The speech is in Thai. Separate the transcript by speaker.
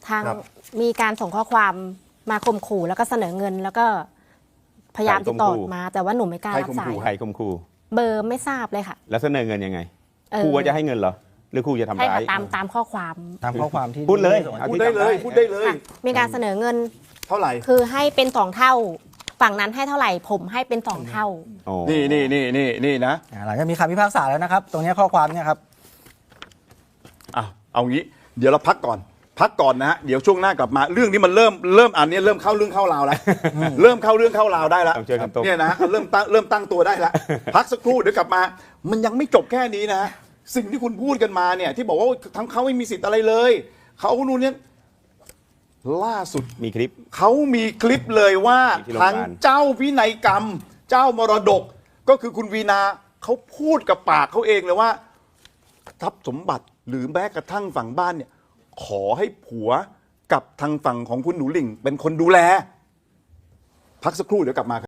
Speaker 1: ทาง
Speaker 2: ครับ
Speaker 1: มีการส่งข้อความมาข่มขู่แล้วก็เสนอเงิน แล้วก็พยายามติดต่อมา แต่ว่าหนูไม่กล้า
Speaker 3: ใคร
Speaker 1: รับ
Speaker 3: ข่ม
Speaker 1: สาย
Speaker 3: ขู่ใครข่มขู่
Speaker 1: เบอร์ไม่ทราบเลยค่ะ
Speaker 3: แล้วเสนอเงินยังไง
Speaker 1: เออ
Speaker 3: ครูว่าจะให้เงินเหรอหรือครูจะทำ
Speaker 1: ใช่
Speaker 3: ร้า
Speaker 1: ค่ะ
Speaker 3: ย
Speaker 1: ตามข้อความ
Speaker 2: ตามข้อความที่
Speaker 3: พูดเลย
Speaker 2: ส่ง
Speaker 3: เอา
Speaker 2: ให้
Speaker 3: ที่
Speaker 2: พูดได้
Speaker 3: จำ
Speaker 2: เลย
Speaker 3: ได้
Speaker 2: พูดได้เลย
Speaker 1: ค่ะมีการเสนอเงิน
Speaker 2: เท่าไหร่
Speaker 1: คือให้เป็น2 เท่า ฝั่งนั้นให้เท่าไหร่ผมให้เป็น2 เท่า
Speaker 3: อ๋อ
Speaker 4: นี่นะ
Speaker 2: หลังจากมีคำพิพากษาแล้วนะครับ ตรงนี้ข้อความเนี่ยครับ
Speaker 4: เอางี้เดี๋ยวเราพักก่อนนะฮะเดี๋ยวช่วงหน้ากลับมาเรื่องนี้มันเริ่มอันนี้เริ่มเข้าเรื่องเข้าราวแล้วเริ่มเข้าเรื่องเข้าราวได้แล้ว
Speaker 3: ต้องเจอกันตรง
Speaker 4: เนี่ยนะฮะเริ่มตั้งตัวได้แล้วพักสักครู่เดี๋ยวกลับมา มันยังไม่จบแค่นี้นะฮะสิ่งที่คุณพูดกันมาเนี่ยที่บอกว่าทั้งเขาไม่มีสิทธิ์อะไรเลยเขานู่นเนี่ยล่าสุด
Speaker 3: มีคลิป
Speaker 4: เขามีคลิปเลยว่า
Speaker 3: ที่โรงพยาบาล
Speaker 4: ทางเจ้าพินัยกรรม เจ้ามรดก ก็คือคุณวีนาเขาพูดกับปากเขาเองเลยว่าทรัพย์สมบัติหรือแม้กระทั่งฝั่งบ้านเนี่ยขอให้ผัวกับทางฝั่งของคุณหนูหลิ่งเป็นคนดูแล พักสักครู่เดี๋ยวกลับมาครับ